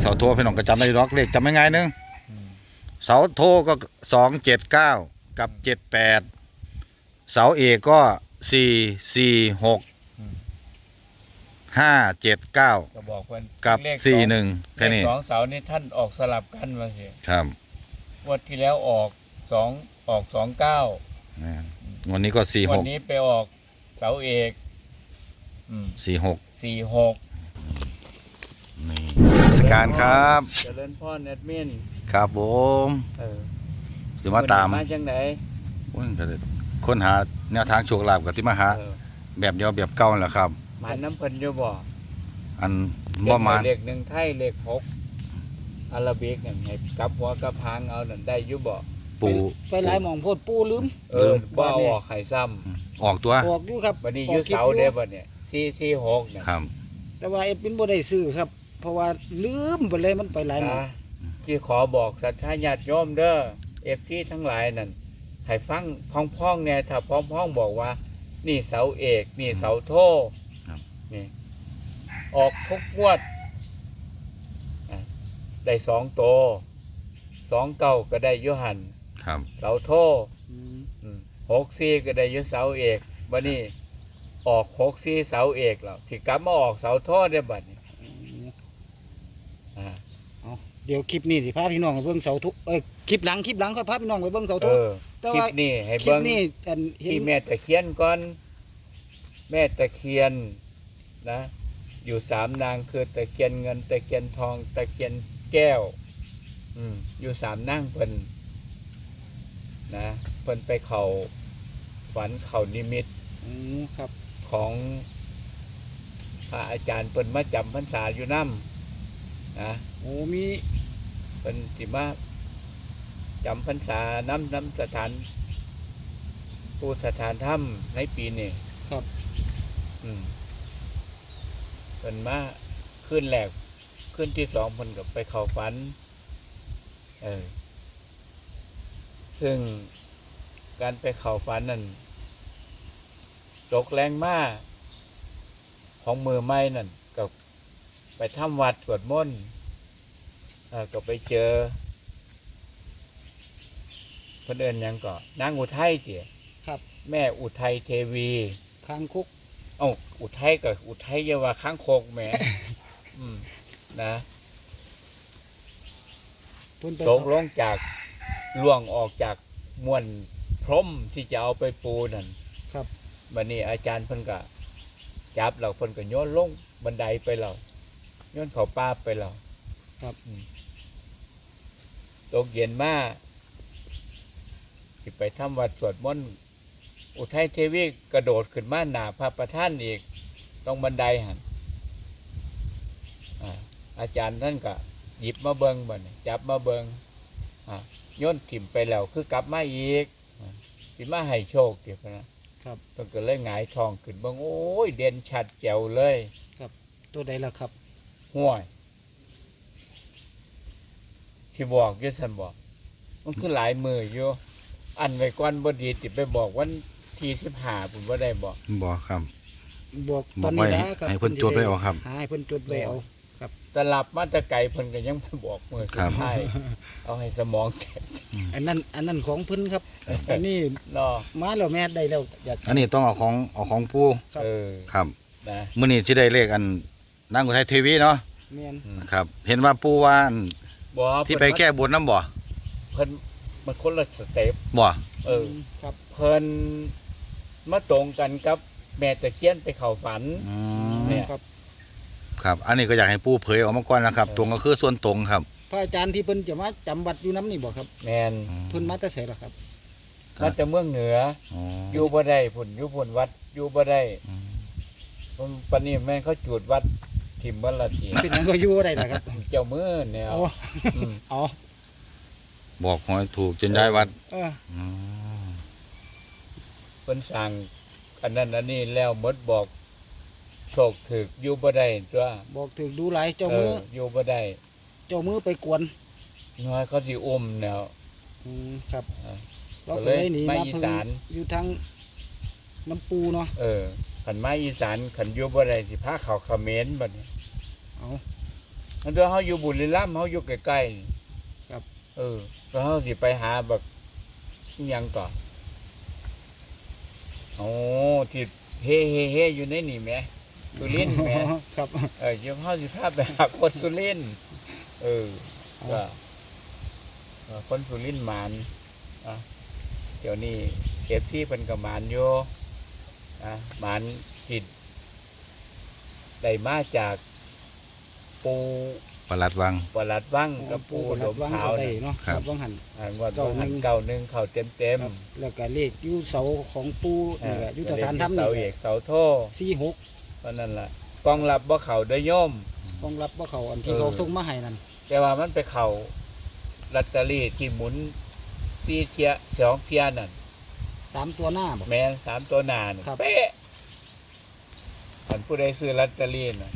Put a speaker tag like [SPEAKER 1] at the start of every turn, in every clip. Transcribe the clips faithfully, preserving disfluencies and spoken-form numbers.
[SPEAKER 1] เสาโทพี่น้องก็จำได้ล็อกเลขจำไม่ง่ายนึงเสาโทก็สองเจ็ดเก้ากับเจ็ดแปดเสาเอกก็สี่สี่หกห้าเจ็ดเก้า
[SPEAKER 2] ก็บอกเพิ่น
[SPEAKER 1] กับสี่หนึ่งแค่นี้
[SPEAKER 2] สองเสานี่ท่านออกสลับกันมาสิ
[SPEAKER 1] ครับ
[SPEAKER 2] งวดที่แล้วออกสองออกสองเก้า
[SPEAKER 1] วันนี้ก็สี่หก
[SPEAKER 2] วันนี้ไปออกเสาเอก
[SPEAKER 1] สี่หก
[SPEAKER 2] สี่หก
[SPEAKER 1] นี่สการครับ
[SPEAKER 2] เจริญพรแอดมิน
[SPEAKER 1] ครับผม
[SPEAKER 2] เออ
[SPEAKER 1] จะมาตาม
[SPEAKER 2] มาจังไหน
[SPEAKER 1] ค้นหาแนวทางโชคลาภกับที่มาหาแบบเดียวแบบเก่าแหละครับ
[SPEAKER 2] มาน้ำเพิ่นอยู่บ่
[SPEAKER 1] อันบ่มา
[SPEAKER 2] เลขหนึ่งไทยเลขหกอาราบิกนั่นให้กับหัวกับหางเอานั่นได้อยู่บ่
[SPEAKER 1] ปู
[SPEAKER 3] ไปหลายหม่องโพดปูลืม
[SPEAKER 2] เออบ่เอาออกไข่ซ้
[SPEAKER 1] ำออกตัว
[SPEAKER 3] ออกอยู่ครับ
[SPEAKER 2] บัดนี้อยู่เสาเด้บัดเนี่ยสี่สี่หกเนี่ย
[SPEAKER 1] ครับ
[SPEAKER 3] แต่ว่าเอ็ดเป็นบ่ได้ซื้อครับเพราะว่าลืมไปเลยมันไปหลายหม่อง
[SPEAKER 2] ที่ขอบอกศรัทธาญาติโยมเด้อเอฟซีทั้งหลายนั่นให้ฟังพ้องๆเนี่ยถ้าพ้องๆบอกว่านี่เสาเอกนี่เสาโทนี่ออกทุกงวดได้สองโตสองเก้าก็ได้ยุหันเสาโทหกสี่ก็ได้ยุเสาเอกบัดนี้ออกหกสี่เสาเอกแล้วที่กลับมาออกเสาโทได้บัดนี้
[SPEAKER 3] เดี๋ยวคลิปนี้สิพาพี่น้องไปเบิ่งเสาทุกเอ้ยคลิปหลังคลิปหลังค่อยพาพี่น้องไปเบิ่งเสาทุก
[SPEAKER 2] คลิปนี้ให้เบิ่งที่แม่ตะเคียนก่อนแม่ตะเคียนนะอยู่สามนางคือตะเคียนเงินตะเคียนทองตะเคียนแก้วอืมอยู่สามนางเพิ่นนะเพิ่นไปเขาฝันเขานิมิต
[SPEAKER 3] อืมครับ
[SPEAKER 2] ของพระอาจารย์เพิ่นมาจำพรรษาอยู่น้ำนะ
[SPEAKER 3] โอ้มี
[SPEAKER 2] เป็นสิมาจำพรรษาน้ำน้ำสถานปูสถานถ้ำในปีนี้
[SPEAKER 3] ครับ
[SPEAKER 2] อืมเป็นมาขึ้นแรกขึ้นที่สองเพิ่นกับไปเข้าฝันเออซึ่งการไปเข้าฝันนั่นตกแรงมากของมือไม้นั่นกับไปทำวัดสวดมนต์ก็ไปเจอเพื่อนเอิญยังก็นางอุทัยเจี๋ย
[SPEAKER 3] ครับ
[SPEAKER 2] แม่อุทัยเทวี
[SPEAKER 3] ค้างคุก
[SPEAKER 2] เอ้าอุทัยกับอุทัยเยาว่าค้างโคกแหมอืมนะตกลงจากล่วงออกจากม้วนพรมที่จะเอาไปปูนั่น
[SPEAKER 3] ครับ
[SPEAKER 2] บัดนี้อาจารย์เพิ่นก็จับเราเพิ่นก็โยนลงบันไดไปเราโยนเขาป้าไปเรา
[SPEAKER 3] ครับ
[SPEAKER 2] ตกเย็นมาที่ไปทำวัดสวดมนต์อุทัยเทวีกระโดดขึ้นมาหนาพระประธานอีกตรงบันไดหันอาจารย์ท่านก็หยิบมาเบิงบ่เนี่ยจับมาเบิงโยนถิ่มไปแล้วคือกลับมาอีกสิมาให้โชคเดี๋ยวนะครับต้องเกิดเลยหงายทองขึ้นเบิงโอ้ยเด่นชัดแจ๋วเลย
[SPEAKER 3] ครับตัวใดล่ะครับ
[SPEAKER 2] ห่วยที่บอกยี่สันบอกมันคือหลายมืออยู่อันไว้ก้อนบดีติดไปบอกวันที่สิบห้าผมว่าได้บอก
[SPEAKER 1] บอกครับ
[SPEAKER 3] บอกตอนนี้
[SPEAKER 1] นะครับให้เพิ่นจดไว้เอาครับ
[SPEAKER 3] ให้เพิ่นจดไว้เอาครับ
[SPEAKER 2] ตลับมาตะไก่เพิ่นก็ยังไม่บอกมือสุดท้ายเอาให้สมองแตก
[SPEAKER 3] อันนั้นอันนั้นของเพิ่นครับอันนี้มาแล้วแม่ได้แล้ว
[SPEAKER 1] อันนี้ต้องเอาของเอาของปู่
[SPEAKER 2] เออ
[SPEAKER 1] ครับนะมื้อนี้สิได้เลขอันนางอุทัยเทวีเนาะ
[SPEAKER 3] แม่น
[SPEAKER 1] ครับเห็นว่าปู่ว่าที่ไปแก้บนน้ำบ่
[SPEAKER 2] เพิ่นมันคนละสเต็ป
[SPEAKER 1] บ่
[SPEAKER 2] เออครับเพิ่นมาตรงกันกับแม่ตะเคียนไปเข้าฝัน
[SPEAKER 1] เนี่ยครับครับอันนี้ก็อยากให้ปู่เผยออกมาก่อนนะครับตรงก็คือส่วนตรงครับ
[SPEAKER 3] พระอาจารย์ที่เพิ่นจะมาจำวัดอยู่น้ำนี่บ่ครับ
[SPEAKER 2] แม่น
[SPEAKER 3] เพิ่นมาแต่ไสล่ะครับ
[SPEAKER 2] มาแต่เมืองเหนืออยู่บ่ได้พุ่นอยู่พุ่นวัดอยู่บ่ได้ปานนี้แม่นเขาจูดวัดทิมวันละที
[SPEAKER 3] เป็นหยังก็อยู่ได้ล่ะครับ
[SPEAKER 2] เจ้ามือแนว
[SPEAKER 3] อ๋อ
[SPEAKER 1] บอกหอยถูกจนได้วัด
[SPEAKER 3] เออ
[SPEAKER 2] เพิ่นสั่งอันนั้นอันนี้แล้วหมดบอกโชคถึกอยู่บ่ได้ตัว
[SPEAKER 3] บอกถึกดูหลายเจ้ามือ
[SPEAKER 2] อยู่บ่ได้
[SPEAKER 3] เจ้ามือไปกวน
[SPEAKER 2] น้อยเขาสิอุ้มแนว
[SPEAKER 3] อืมครับเราก็เลยหนีมาอีสานอยู่ทางน้ำปูเนาะ
[SPEAKER 2] เออขันไม้อีสานขันอยู่บ่ได้สิพาเขาเขมรบัดนี้
[SPEAKER 3] เอา
[SPEAKER 2] อันเดียวเขาอยู่บุรีรัมย์เขาอยู่ใกล้ๆนี่
[SPEAKER 3] ครับ
[SPEAKER 2] เออแล้วเขาสิไปหาแบบอิหยังก่อนโอ้ที่เฮ่เฮ่เฮ่อยู่ในนี่แหมสุรินทร์แหม
[SPEAKER 3] ครับ
[SPEAKER 2] เออเดี๋ยวเขาสิพาไปหาคนสุรินทร์เออก็เออคนสุรินทร์หมานอ่ะเดี๋ยวนี้เอฟซีเป็นกับหมานโยอ่ะหมานจิตได้มาจากปู
[SPEAKER 1] ประหลัดวัง
[SPEAKER 2] ปลัดวังกับปูหลม
[SPEAKER 3] วัง
[SPEAKER 2] ขาว
[SPEAKER 3] ก็ได้
[SPEAKER 2] น่ะ
[SPEAKER 3] เนาะ
[SPEAKER 1] ครับ
[SPEAKER 3] วังหัน
[SPEAKER 2] อ่างวด
[SPEAKER 3] เก้าหนึ่
[SPEAKER 2] หัน
[SPEAKER 3] ง
[SPEAKER 2] เก้าหนึ่งเข่าเต็มเต็ม
[SPEAKER 3] ครับแล้วก็เลขอยู่เสาของปู
[SPEAKER 2] ๆ
[SPEAKER 3] นี่แหละอยู่ส
[SPEAKER 2] อ่
[SPEAKER 3] ถานธรรม
[SPEAKER 2] เสา
[SPEAKER 3] นี่
[SPEAKER 2] เอกเสาโท
[SPEAKER 3] สี่หก
[SPEAKER 2] เพราะนั่นล่ะกองรับว่าเข่าได้โยม
[SPEAKER 3] ต้องรับว่าเขาอันที่
[SPEAKER 2] เออ
[SPEAKER 3] เขาส่งมาให้นั่น
[SPEAKER 2] แต่ว่ามันไปเข่าลอตเตอรี่ที่หมุนซีเทียสองเทียนั่น
[SPEAKER 3] สามตัวหน้าบอก
[SPEAKER 2] แม่นสามตัวหนาน่ะ
[SPEAKER 3] ครับ
[SPEAKER 2] เป๊ะขันผู้ใดซื้อลอตเตอรี่น่ะ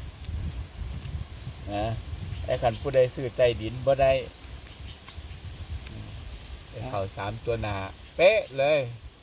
[SPEAKER 2] นะไอ้ขันผู้ใดซื้อใต้ดินบ่ได้อืมไปเข่าสามตัวหนาเป๊ะเลย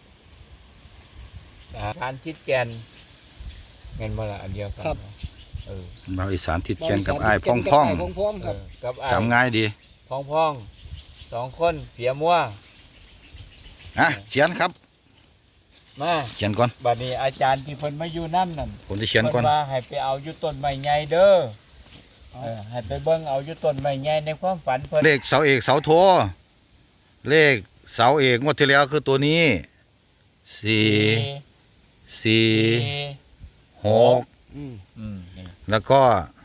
[SPEAKER 2] นะทานชิดแกนเงินบ่ละอันเดียวกันเนาะเออ
[SPEAKER 1] เราอีสานทิดเชียนกับอ้ายพ่องพ่อง
[SPEAKER 3] กับายพ่องๆ
[SPEAKER 2] เอ
[SPEAKER 3] ครับ
[SPEAKER 2] อกับไอ้
[SPEAKER 1] จำง่ายดี
[SPEAKER 2] พองพองสองคนเผียมัว
[SPEAKER 1] อ่ะเขียนครับ
[SPEAKER 2] มา
[SPEAKER 1] เขียนก่อน
[SPEAKER 2] บัดนี้อาจารย์ที่เพิ่นมาอยู่นั่นนั่น
[SPEAKER 1] ผมจะเขียนก่อน
[SPEAKER 2] เพิ่นว่าให้ไปเอาอยู่ต้นไม้ใหญ่เด้อเออให้ไปเบิ่งเอาอยู่ต้นไม้ใหญ่ในความฝันเพิ่น
[SPEAKER 1] เลขเสาเอกเสาโท เลขเสาเอกงวดที่แล้วคือตัวนี้สี่สี่
[SPEAKER 2] สี่
[SPEAKER 1] หก
[SPEAKER 3] อืม
[SPEAKER 2] อืมนี่
[SPEAKER 1] แล้วก็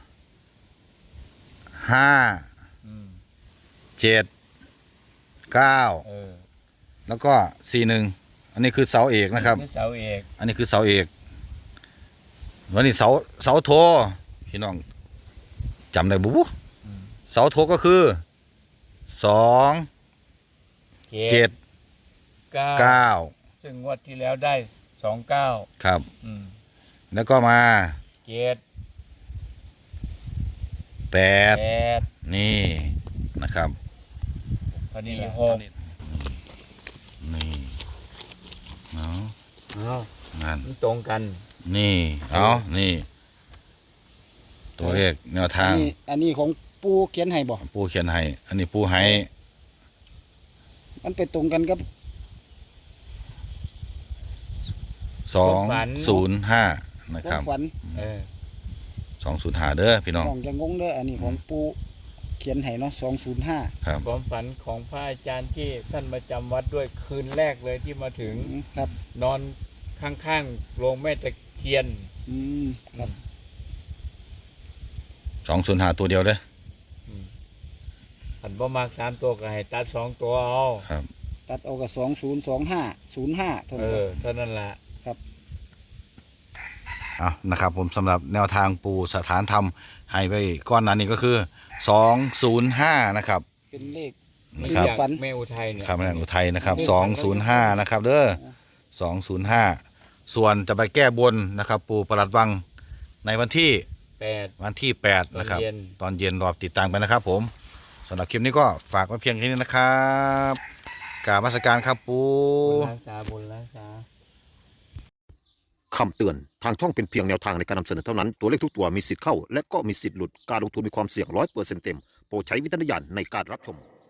[SPEAKER 1] ห้า
[SPEAKER 2] อืม
[SPEAKER 1] เจ็ดเก้า
[SPEAKER 2] เออ
[SPEAKER 1] แล้วก็สี่หนึ่งอันนี้คือเสาเอกนะครับ
[SPEAKER 2] อเสาเอก
[SPEAKER 1] อันนี้คือเสาเอกวันนี้เสาเสาโทพี่น้องจำได้บุ๊บ
[SPEAKER 2] อืม
[SPEAKER 1] เสาโทก็คือสองเจ็ด
[SPEAKER 2] เก้า
[SPEAKER 1] เก้า
[SPEAKER 2] ซึ่งงวดที่แล้วได้สองเก้า
[SPEAKER 1] ครับ
[SPEAKER 2] อืม
[SPEAKER 1] แล้วก็มา
[SPEAKER 2] เจ็ด
[SPEAKER 1] แปด
[SPEAKER 2] แปด
[SPEAKER 1] นี่นะครับ
[SPEAKER 2] ตอนนี้หก
[SPEAKER 1] นี่เนาะ
[SPEAKER 2] อ้าว
[SPEAKER 1] นั่น
[SPEAKER 2] มันตรงกัน
[SPEAKER 1] นี่เอานี่ ตัวเลขแนว
[SPEAKER 3] อั
[SPEAKER 1] ทาน ง
[SPEAKER 3] นี้อันนี้ของปูเขียนให้บอก
[SPEAKER 1] ปูเขียนให้ อันนี้ปูให้
[SPEAKER 3] มันไปตรงกันกับ
[SPEAKER 1] สองศูนย์ห้านะ
[SPEAKER 3] ค
[SPEAKER 1] ครั
[SPEAKER 3] วา
[SPEAKER 1] บ
[SPEAKER 3] มฝัน
[SPEAKER 2] เออ
[SPEAKER 1] สองศูนย์ห้าเด้อพี่น้อง
[SPEAKER 3] น้องจะงงเด้ออันนี้ของปูเขียนให้เนาะสองศูนย์ห้า
[SPEAKER 1] ครับ
[SPEAKER 2] ความฝันของพระอาจารย์ที่ท่านมาจำวัดด้วยคืนแรกเลยที่มาถึง
[SPEAKER 3] ครับ
[SPEAKER 2] นอนข้างๆโรงแม่ตะเคียน
[SPEAKER 3] อืมครับ
[SPEAKER 1] สองศูนย์ห้าตัวเดียวเด้อ
[SPEAKER 2] ผันบ่มากสามตัวก็ให้ตัดสองตัวเอา
[SPEAKER 1] ครับ
[SPEAKER 3] ตัดเอากับสองศูนย์สองห้าศูนย์ห้าเท่า
[SPEAKER 2] เอ
[SPEAKER 3] นั้น
[SPEAKER 2] อเท่านั้นละ
[SPEAKER 1] เอานะครับ ผมสำหรับแนวทางปูสถานธรรมให้ไปก้อนนั้นนี่ก็คือสองศูนย์ห้านะครับ
[SPEAKER 3] เป็นเลข
[SPEAKER 1] นะ
[SPEAKER 3] ค
[SPEAKER 1] ครั
[SPEAKER 3] รั
[SPEAKER 1] บบ
[SPEAKER 3] ฝัน
[SPEAKER 2] แม่อุทัยเนี่ย
[SPEAKER 1] ครับแม่นอุทัยนะครับสองศูนย์ห้านะครับเด้อสองศูนย์ห้าส่วนจะไปแก้บนนะครับ ปูประหลัดวังในวันที่
[SPEAKER 2] แปด
[SPEAKER 1] วันที่แปดนะครับ
[SPEAKER 2] ตอนเย็น
[SPEAKER 1] ตอนเย็นรอติดตามกันนะครับ ผมสำหรับคลิปนี้ก็ฝากไว้เพียงแค่นี้นะครับกราบนมัสการครับปู
[SPEAKER 2] บุญรักษาบุญรักษา
[SPEAKER 4] คำเตือน ทางช่องเป็นเพียงแนวทางในการนำเสนอเท่านั้น ตัวเลขทุกตัวมีสิทธิ์เข้า และก็มีสิทธิ์หลุด การลงทุนมีความเสี่ยงร้อยเปอร์เซ็นต์เต็ม โปรดใช้วิจารณญาณในการรับชม